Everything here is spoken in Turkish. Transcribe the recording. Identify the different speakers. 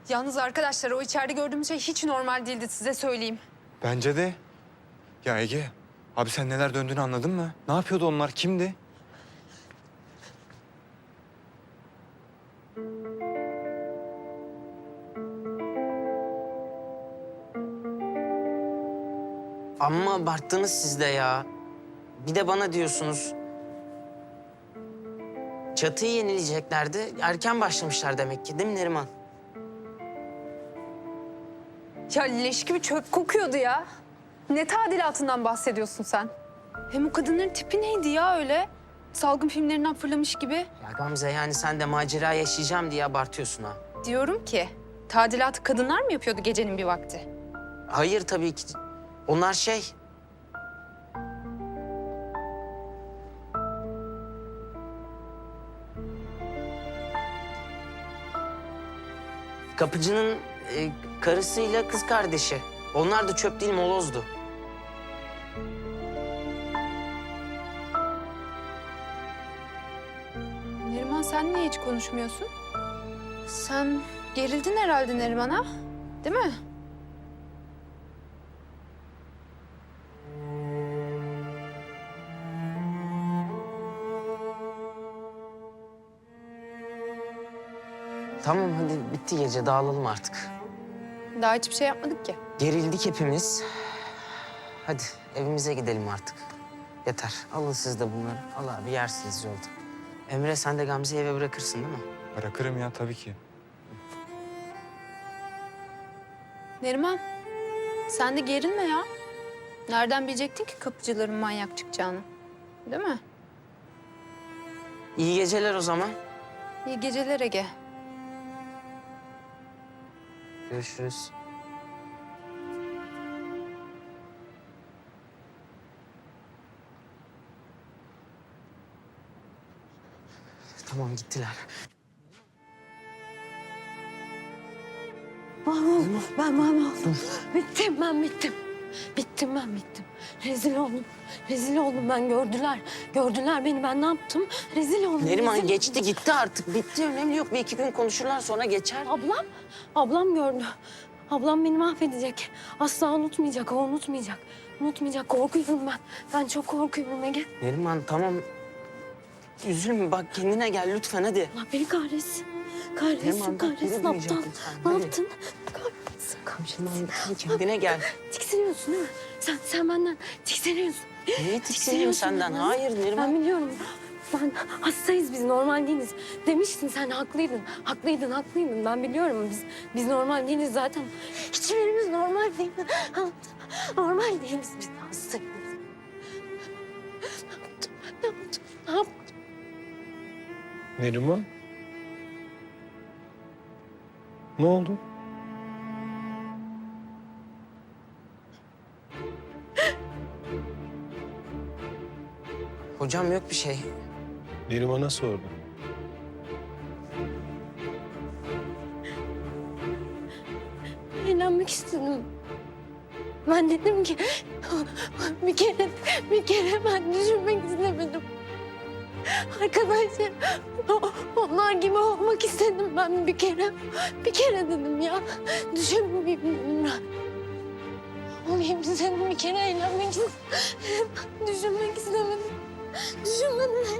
Speaker 1: Yalnız arkadaşlar o içeride gördüğümüz şey hiç normal değildi size söyleyeyim.
Speaker 2: Bence de. Ya Ege, abi sen neler döndüğünü anladın mı? Ne yapıyordu onlar? Kimdi?
Speaker 3: Amma abarttınız siz de ya. Bir de bana diyorsunuz. Çatıyı yenileyeceklerdi. Erken başlamışlar demek ki, değil mi Neriman?
Speaker 1: Ya leş gibi çöp kokuyordu ya. Ne tadilatından bahsediyorsun sen? Hem o kadınların tipi neydi ya öyle? Salgın filmlerinden fırlamış gibi.
Speaker 3: Ya Gamze, yani sen de macera yaşayacağım diye abartıyorsun ha.
Speaker 1: Diyorum ki tadilatı kadınlar mı yapıyordu gecenin bir vakti?
Speaker 3: Hayır tabii ki. Onlar şey... Kapıcının karısıyla kız kardeşi. Onlar da çöp değil, molozdu.
Speaker 1: Neriman sen niye hiç konuşmuyorsun? Sen gerildin herhalde Neriman'a, değil mi?
Speaker 3: Tamam hadi bitti gece, dağılalım artık.
Speaker 1: Daha hiçbir şey yapmadık ki.
Speaker 3: Gerildik hepimiz. Hadi evimize gidelim artık. Yeter. Alın siz de bunları. Al abi, yersiniz yolda. Emre, sen de Gamze'yi eve bırakırsın değil mi?
Speaker 2: Bırakırım ya tabii ki.
Speaker 1: Neriman, sen de gerilme ya. Nereden bilecektin ki kapıcıların manyak çıkacağını? Değil mi?
Speaker 3: İyi geceler o zaman.
Speaker 1: İyi geceler Ege.
Speaker 3: Görüşürüz. Tamam, gittiler.
Speaker 4: Mahvoldum. Ben mahvoldum. Bittim, ben bittim. Bittim, ben bittim. Rezil oldum. Rezil oldum ben. Gördüler. Gördüler beni. Ben ne yaptım? Rezil oldum.
Speaker 3: Neriman
Speaker 4: rezil
Speaker 3: geçti
Speaker 4: oldum.
Speaker 3: gitti artık. Bitti, önemli yok. Bir iki gün konuşurlar, sonra geçer.
Speaker 4: Ablam. Ablam gördü. Ablam beni mahvedecek. Asla unutmayacak. O unutmayacak. Unutmayacak. Korkuyorum ben. Ben çok korkuyorum Ege.
Speaker 3: Neriman tamam. Üzülme, bak kendine gel lütfen, hadi.
Speaker 4: Allah beni kahretsin. Kahretsin,
Speaker 3: Neriman, bak,
Speaker 4: kahretsin.
Speaker 3: yürütmeyecek
Speaker 4: Aptal.
Speaker 3: lütfen,
Speaker 4: Ne
Speaker 3: hadi.
Speaker 4: yaptın? Kahretsin, kahretsin.
Speaker 3: Neriman, kendine gel.
Speaker 4: Tiksiniyorsun değil mi? Sen benden tiksiniyorsun.
Speaker 3: Niye tiksineyim senden?
Speaker 4: benden.
Speaker 3: Hayır Neriman.
Speaker 4: Ben biliyorum. Ben hastayız biz, normal değiliz. Demiştin sen, haklıydın. Haklıydın. Ben biliyorum biz normal değiliz zaten. Hiçbirimiz normal değil. Normal değiliz biz, hastayız. Ne yaptım?
Speaker 5: Neriman? Ne oldu?
Speaker 3: Hocam yok bir şey.
Speaker 5: Neriman'a sordum.
Speaker 4: Eğlenmek istedim. Ben dedim ki bir kere ben düşünmek istemedim. Arkadaşlar onlar gibi olmak istedim ben bir kere dedim ya. Düşünmeyeyim dedim ben. Olayım istedim, bir kere eğlenmek istedim. Düşünmek istemedim. Düşünmedim.